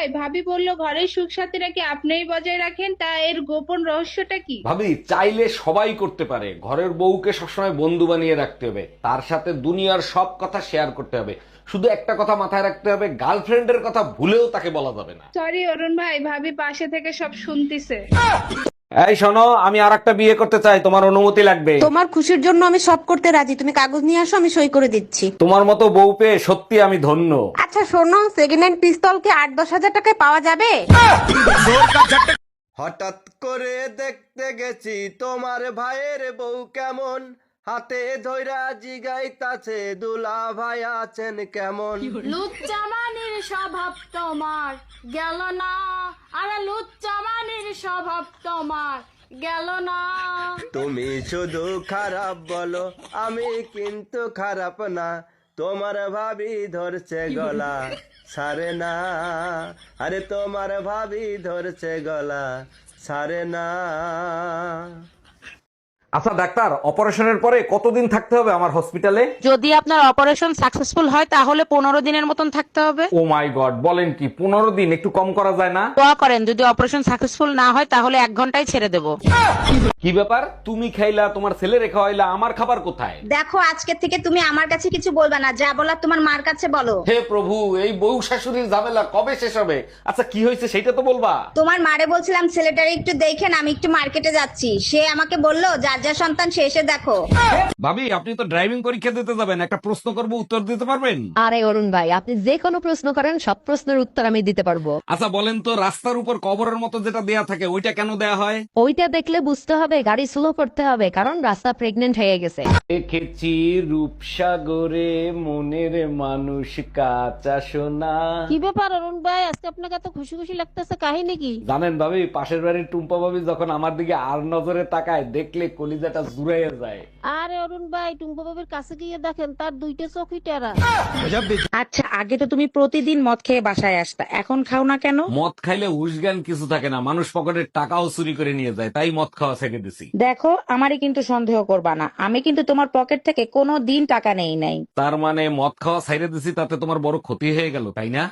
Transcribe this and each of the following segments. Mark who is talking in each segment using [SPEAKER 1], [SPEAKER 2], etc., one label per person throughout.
[SPEAKER 1] ভাবি বলল ঘরের সুখ সাথীরা কি আপনিই বজায় রাখেন, তা এর গোপন রহস্যটা কি?
[SPEAKER 2] ভাবি, চাইলে সবাই করতে পারে। ঘরের বউকে সবসময় বন্ধু বানিয়ে রাখতে হবে, তার সাথে দুনিয়ার সব কথা শেয়ার করতে হবে। শুধু একটা কথা মাথায় রাখতে হবে, গার্লফ্রেন্ডের কথা ভুলেও তাকে বলা যাবে না।
[SPEAKER 1] সরি অরুণ ভাই, ভাবি পাশে থেকে সব শুনতিছে।
[SPEAKER 2] এই শোনো, আমি আর একটা বিয়ে করতে চাই, তোমার অনুমতি লাগবে।
[SPEAKER 3] তোমার খুশির জন্য আমি সব করতে রাজি, তুমি কাগজ নিয়ে আসো, আমি সই করে দিচ্ছি।
[SPEAKER 2] তোমার মতো বউ পেয়ে সত্যি আমি ধন্য।
[SPEAKER 3] আচ্ছা শোনো, সেকেন্ড হ্যান্ড পিস্তল কি 8-10 হাজার টাকায় পাওয়া যাবে?
[SPEAKER 4] হঠাৎ করে দেখতে গেছি তোমার ভাইয়ের বউ কেমন, হাতে ধইরা জিগাইতাছে দুলা ভাই আছেন কেমন।
[SPEAKER 5] লুচ্চামানির স্বভাব তোমার গেল না, আরে লুচ্চামানির স্বভাব তোমার গেল না।
[SPEAKER 4] তুমি শুধু খারাপ বলো, আমি কিন্তু খারাপ না। তোমার ভাবি ধরছে গলা সারে না, আরে তোমার ভাবি ধরছে গলা সারে না।
[SPEAKER 2] আচ্ছা ডাক্তার, অপারেশনের পরে কতদিন থাকতে হবে আমার হসপিটালে?
[SPEAKER 6] যদি আপনার অপারেশন সাকসেসফুল হয় তাহলে 15 দিনের মতন থাকতে হবে।
[SPEAKER 2] ও মাই গড, বলেন কি? 15 দিন? একটু কম করা যায় না?
[SPEAKER 6] দোয়া করেন যদি অপারেশন সাকসেসফুল না হয় তাহলে 1 ঘন্টায় ছেড়ে দেব।
[SPEAKER 2] কি ব্যাপার, তুমি খাইলা, তোমার ছেলে রেখা হইলা, আমার খাবার কোথায়?
[SPEAKER 7] দেখো আজকে থেকে তুমি আমার কাছে কিছু বলবে না, যা বলার তোমার মার কাছে বলো।
[SPEAKER 2] হে প্রভু, এই বউ শাশুড়ির ঝামেলা কবে শেষ হবে? আচ্ছা কি হয়েছে সেটা তো বলবা।
[SPEAKER 7] তোমার মারে বলছিলাম ছেলেটারে একটু দেখেন, আমি একটু মার্কেটে যাচ্ছি। সে আমাকে বললো যার যা সন্তান সে এসে দেখো।
[SPEAKER 2] ভাবি, আপনি তো ড্রাইভিং পরীক্ষা দিতে যাবেন, একটা প্রশ্ন করব, উত্তর দিতে পারবেন?
[SPEAKER 8] আরে অরুণ ভাই, আপনি যে কোনো প্রশ্ন করেন, সব প্রশ্নের উত্তর আমি দিতে পারবো।
[SPEAKER 2] আচ্ছা বলেন তো, রাস্তার উপর কবরের মতো যেটা দেয়া থাকে ওইটা কেন দেয়া হয়?
[SPEAKER 8] ওইটা দেখলে বুঝতে হবে গাড়ি স্লো করতে হবে, কারণ রাস্তা প্রেগনেন্ট হয়ে গেছে।
[SPEAKER 2] দেখেছি রূপসাগরে মনের মানুষ কাঁচা সোনা।
[SPEAKER 6] কি ব্যাপার অরুণ ভাই, আজকে আপনাকে এত খুশি খুশি লাগতেছে, কাহিনী কি?
[SPEAKER 2] জানেন ভাবি, পাশের বাড়ির টুম্পা ভাবি যখন আমার দিকে আর নজরে তাকায়, দেখলে কলিজাটা জুড়াইয়া যায়।
[SPEAKER 6] আরে অরুণ ভাই, টুম্পা বাবির কাছে গিয়ে দেখেন তার 2টা চোখই টেরা।
[SPEAKER 3] আচ্ছা আগে তো তুমি প্রতিদিন মদ খেয়ে বাসায় আসতা, এখন খাও না কেন?
[SPEAKER 2] মদ খাইলে হুশজ্ঞান কিছু থাকে না, মানুষ পকেটের টাকাও চুরি করে নিয়ে যায়, তাই মদ খাওয়া ছেড়ে দিছি।
[SPEAKER 3] দেখো আমারই কিন্তু সন্দেহ করবা না, আমি কিন্তু তোমার পকেট থেকে কোনো দিন টাকা নেই নাই।
[SPEAKER 2] তার মানে মদ খাওয়া ছেড়ে দিছি, তাতে তোমার বড় ক্ষতি হয়ে গেল, তাই না?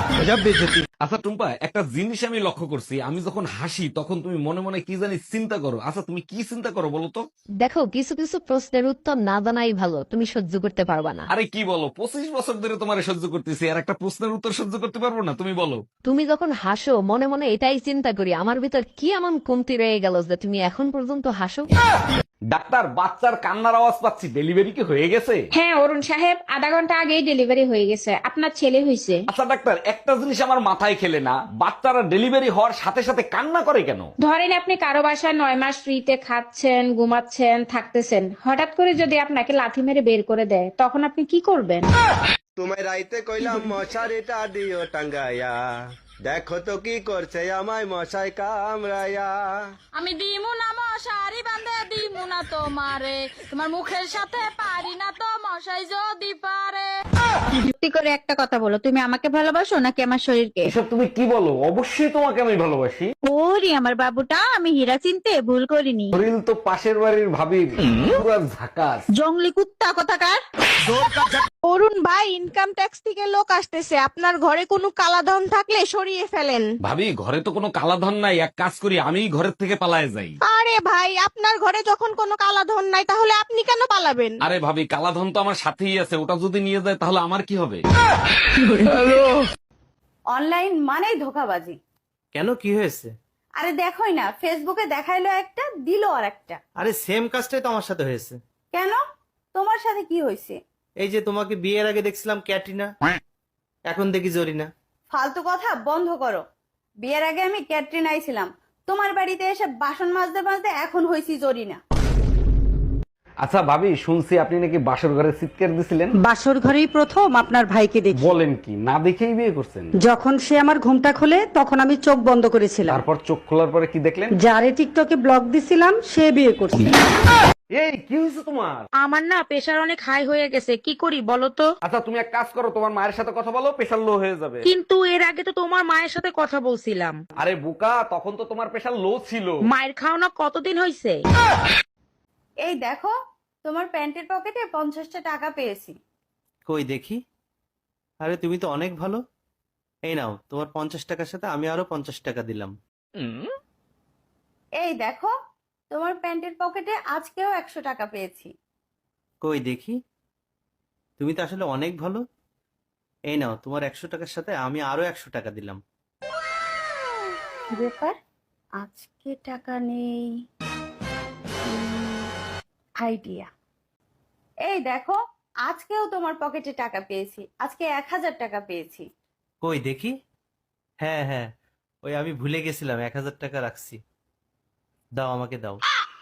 [SPEAKER 2] আচ্ছা টুম্পা, একটা জিনিস আমি লক্ষ্য করছি, আমি যখন হাসি তখন তুমি মনে মনে কি জানি চিন্তা করো। আচ্ছা তুমি কি চিন্তা করো বলো তো?
[SPEAKER 8] দেখো, কিছু কিছু প্রশ্নের উত্তর না জানাই ভালো, তুমি সহ্য করতে পারবা না।
[SPEAKER 2] আরে কি বলো, 25 বছর ধরে তোমার সহ্য করতেছি, আর একটা প্রশ্নের উত্তর সহ্য করতে পারবো না? তুমি বলো।
[SPEAKER 8] তুমি যখন হাসো মনে মনে এটাই চিন্তা করি, আমার ভিতর কি এমন কমতি রয়ে গেল যে তুমি এখন পর্যন্ত হাসো।
[SPEAKER 2] ডাক্তার, বাচ্চার কান্নার আওয়াজ পাচ্ছি, ডেলিভারি কি হয়ে গেছে?
[SPEAKER 1] হ্যাঁ অরুণ সাহেব, আধা ঘন্টা আগেই ডেলিভারি হয়ে গেছে, আপনার ছেলে হয়েছে।
[SPEAKER 2] আচ্ছা ডাক্তার, একটা জিনিস আমার মাথায় খেলে না, বাচ্চারা ডেলিভারি হওয়ার সাথে সাথে কান্না করে কেন?
[SPEAKER 1] ধরেন আপনি কারো বাসায় 9 মাস ফ্রিতে খাচ্ছেন, ঘুমাচ্ছেন, থাকতেছেন, হঠাৎ করে যদি আপনাকে লাথি মেরে বের করে দেয়, তখন আপনি কি করবেন?
[SPEAKER 4] তোমায় রাইতে কইলাম মশারিটা দিও টাঙ্গাইয়া, দেখো তো কি করছে আমায় মশাই কামড়াইয়া।
[SPEAKER 5] আমি দিমু না মশারি বান্ধে দিমু না তোমারে, তোমার মুখের সাথে পারি না তো মশাই যদি পারে।
[SPEAKER 7] সত্যি করে একটা কথা বলো, তুমি আমাকে ভালোবাসো নাকি আমার শরীরকে?
[SPEAKER 2] এসব তুমি কি বলো? অবশ্যই তোমাকে আমি ভালোবাসি।
[SPEAKER 7] ওরে আমার বাবুটা, আমি হীরা চিনতে ভুল করিনি।
[SPEAKER 2] শরীর তো পাশের বাড়ির ভাবির, পুরো ঝাকাস।
[SPEAKER 7] জঙ্গলি কুত্তা কোথাকার।
[SPEAKER 3] অরুণ ভাই, ইনকাম ট্যাক্স থেকে লোক আসতেছে, আপনার ঘরে কোনো কালাধন থাকলে সরিয়ে ফেলেন।
[SPEAKER 2] ভাবি, ঘরে তো কোনো কালাধন নাই, এক কাজ করি, আমি ঘরের থেকে পালায়ে যাই।
[SPEAKER 3] আরে ভাই, আপনার ঘরে যখন কোনো কালাধন নাই তাহলে আপনি কেন পালাবেন?
[SPEAKER 2] আরে ভাবি, কালাধন তো আমার সাথেই আছে, ওটা যদি নিয়ে যায় তাহলে আমার কি হবে?
[SPEAKER 5] অনলাইন মানেই ধোকাবাজি।
[SPEAKER 9] কেন, কি হয়েছে?
[SPEAKER 5] আরে দেখোই না, ফেসবুকে দেখাইলো একটা, দিল আর একটা।
[SPEAKER 9] আরে সেম কাজটাই তো আমার সাথে হয়েছে।
[SPEAKER 5] কেন, তোমার সাথে কি হয়েছে?
[SPEAKER 9] এই যে তোমাকে বিয়ের আগে দেখছিলাম ক্যাটরিনা, এখন দেখি জরিনা।
[SPEAKER 5] ফালতু কথা বন্ধ করো। বিয়ের আগে আমি ক্যাটরিনাই ছিলাম, তোমার বাড়িতে এসে বাসন মাজতে মাজতে এখন হয়েছি জরিনা।
[SPEAKER 2] আচ্ছা ভাবি, শুনছি আপনি নাকি বাসর ঘরে চিৎকার দিছিলেন।
[SPEAKER 3] বাসর ঘরেই প্রথম আপনার ভাইকে দেখি।
[SPEAKER 2] বলেন কি, না দেখেই বিয়ে করছেন?
[SPEAKER 3] যখন সে আমার ঘুমটা খোলে তখন আমি চোখ বন্ধ করেছিলাম।
[SPEAKER 2] তারপর চোখ খোলার পরে কি দেখলেন?
[SPEAKER 3] যারে টিকটকে ব্লক দিছিলাম সে বিয়ে করছে।
[SPEAKER 2] এই কি হয়েছে তোমার?
[SPEAKER 6] আমার না প্রেশার অনেক হাই হয়ে গেছে, কি করি বলো তো?
[SPEAKER 2] আচ্ছা তুমি এক কাজ করো, তোমার মায়ের সাথে কথা বলো, প্রেশার লো হয়ে যাবে।
[SPEAKER 6] কিন্তু এর আগে তো তোমার মায়ের সাথে কথা বলছিলাম।
[SPEAKER 2] আরে বোকা, তখন তো তোমার প্রেশার লো ছিল।
[SPEAKER 6] মায়ের খাওয়া কতদিন হয়েছে?
[SPEAKER 5] এই দেখো, তোমার প্যান্টের পকেটে 50টা টাকা পেয়েছি।
[SPEAKER 9] কই দেখি। আরে তুমি তো অনেক ভালো, এই নাও তোমার 50 টাকার সাথে আমি আরো 50 টাকা দিলাম।
[SPEAKER 3] এই দেখো তোমার প্যান্টের পকেটে আজকেও 100 টাকা পেয়েছি।
[SPEAKER 9] কই দেখি, তুমি তো আসলে অনেক ভালো। এই নাও তোমার 100 টাকার সাথে আমি আরো 100 টাকা দিলাম।
[SPEAKER 3] কি ব্যাপার, আজকে টাকা নেই? আইডিয়া। এই দেখো আজকেও তোমার পকেটে টাকা পেয়েছি, আজকে 1000 টাকা পেয়েছি।
[SPEAKER 9] কই দেখি, হ্যাঁ হ্যাঁ, ওই আমি ভুলে গেছিলাম 1000 টাকা রাখছি। দাও, আমাকে দাও।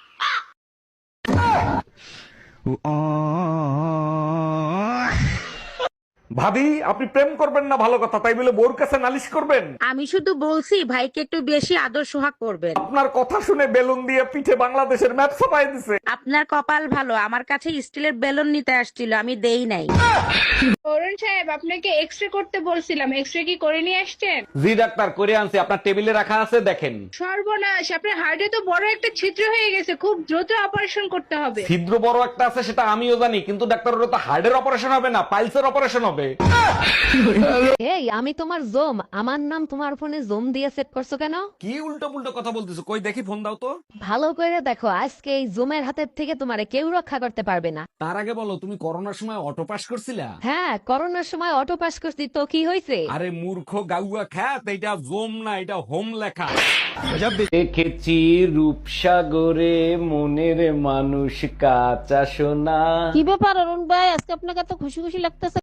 [SPEAKER 2] ভাবি আপনি প্রেম করবেন না ভালো কথা, তাই বলে বোর কাছে নালিশ করবেন?
[SPEAKER 6] আমি শুধু বলছি ভাইকে একটু বেশি আদর সোহাগ করবেন।
[SPEAKER 2] আপনার কথা শুনে বেলুন দিয়ে পিঠে বাংলাদেশের ম্যাপ ছাপাই দিছে।
[SPEAKER 6] আপনার কপাল ভালো, আমার কাছে স্টিলের বেলুন নিতে আসছিল, আমি দেই নাই।
[SPEAKER 1] অরুণ সাহেব আপনাকে এক্সরে করতে বলছিলাম, এক্সরে কি করে নিয়ে আসছেন?
[SPEAKER 2] জি ডাক্তার, করে আনছি, আপনার টেবিলে রাখা আছে, দেখেন।
[SPEAKER 1] সর্বনাশ, আপনার হার্টে তো বড় একটা ছিদ্র হয়ে গেছে, খুব দ্রুত অপারেশন করতে হবে।
[SPEAKER 2] ছিদ্র বড় একটা আছে সেটা আমিও জানি, কিন্তু ডাক্তার ওটা তো হার্টের অপারেশন হবে না, পাইলসের অপারেশন হবে।
[SPEAKER 8] এই আমি তোমার জোম, আমার নাম তোমার ফোনে জোম দিয়ে সেট করছো কেন?
[SPEAKER 2] কি উল্টো পুল্টো কথা বলতেছো, কই দেখি ফোন দাও তো।
[SPEAKER 8] ভালো করে দেখো, আজকে এই জোমের হাতের থেকে তোমারে কেউ রক্ষা করতে পারবে না।
[SPEAKER 2] তার আগে বলো, তুমি করোনার সময় অটো পাস করছিলা?
[SPEAKER 8] হ্যাঁ, করোনার সময় অটো পাস করছি, তো কি হয়েছে?
[SPEAKER 2] আরে মূর্খ গাউয়া খ্যাত, এটা জোম না, এটা হোম লেখা। দেখেছি রূপসাগরে মনের মানুষ কাঁচা সোনা।
[SPEAKER 6] কি ব্যাপার অরুণ ভাই, আজকে আপনাকে এত খুশি খুশি লাগতেছে?